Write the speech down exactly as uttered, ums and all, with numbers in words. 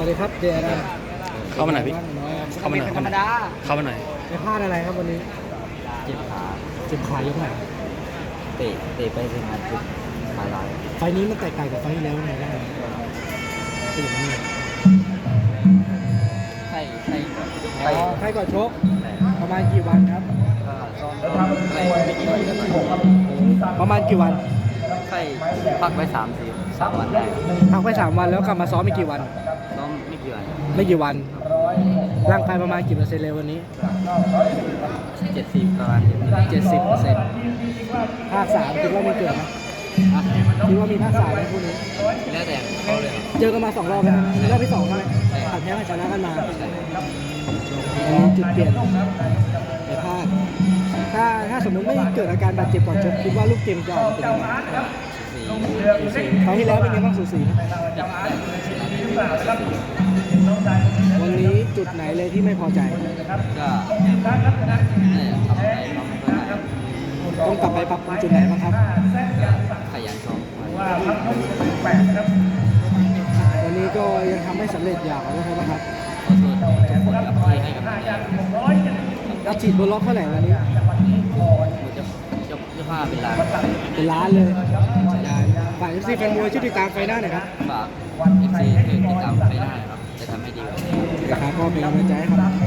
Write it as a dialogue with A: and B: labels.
A: วัสดีครับเดรัน
B: เข้ามาหน่อยพี่ เข้ามาหน่อย
A: ธรรมดา
B: เข้ามาหน่อย
A: ไปพลาดอะไรครับวันนี้
C: เจ็บขา
A: เจ็บขายกไหน
C: เตะเตะไปเป็นงานจุดขาลาย
A: ไฟล์นี้มันแตกต่างกับไฟล์ที่แล้วยังไงบ้างเป็นอย่างนี้
C: ไข้ไข้ก่อน
A: อ๋
C: ไข้
A: อใครก่อนชก
C: แต่
A: ประมาณกี่วันครับ
C: ก็ซ้อมซ้อมไข้ไม่กี่วันก็ต่อย
A: ประมาณกี่วัน
C: ไข้พักไว้สามสี่สามวันได้
A: พักไปสามวันแล้วกลับมาซ้อมไม่กี่วัน
C: ซ้อมไม่กี่วัน
A: ไม่กี่วัน ร่างกายประมาณกี่เปอร์เซ็นต์เลยวันนี้
C: เจ็ดสิบประมาณเจ็ดสิบ
A: เจ็ดสิบเปอร์เซ็นต์ภาคสามคิดว่ามีเกิดไหมคิดว่ามีภาคสามไหมคู่นี้
C: แล้วแต่เขาเลย
A: เจอกันมาสองรอบแล้วนะรอบที่สองใช่ไหมผ่านแพ้ผ่านชนะกันมาอันนี้จุดเปลี่ยนในภาคถ้าถ้าสมมติไม่เกิดอาการบาดเจ็บก่อนชกคิดว่าลูกเกมจะออกมาเป็นยังไง
C: สี่
A: สูสีครั้งที่แล้วเป็นไงบ้างสูสีนะวันนี้จุดไหนเลยที่ไม่พอใจ
C: ก็เนี่ยทำอะไรน้องไม่ค่อยได้
A: ต้องกลับไปปรับปรุงจุดไหนบ้างครับ
C: ก็ขยันซ้อม
A: วันนี้ก็ยังทำไม่สำเร็จอยากขอโทษครับ
C: ขอโทษทุกคนครับที่ให้กำลังใจ
A: อาฉีดบนล็อกเท่าไหร่วันนี้
C: มันจะจะจะพาเป็นล้าน
A: เป็นล้านเลยฝ่ายเอฟซีแฟนมวยช่วยติดตามไฟหน้าหน่อยครับ
C: ฝากเอฟซีช่วยติดตามไปได้ครับ จะทำให้ดีกว่านี้
A: นะครับก็เป็นกำลังใจให้ครับ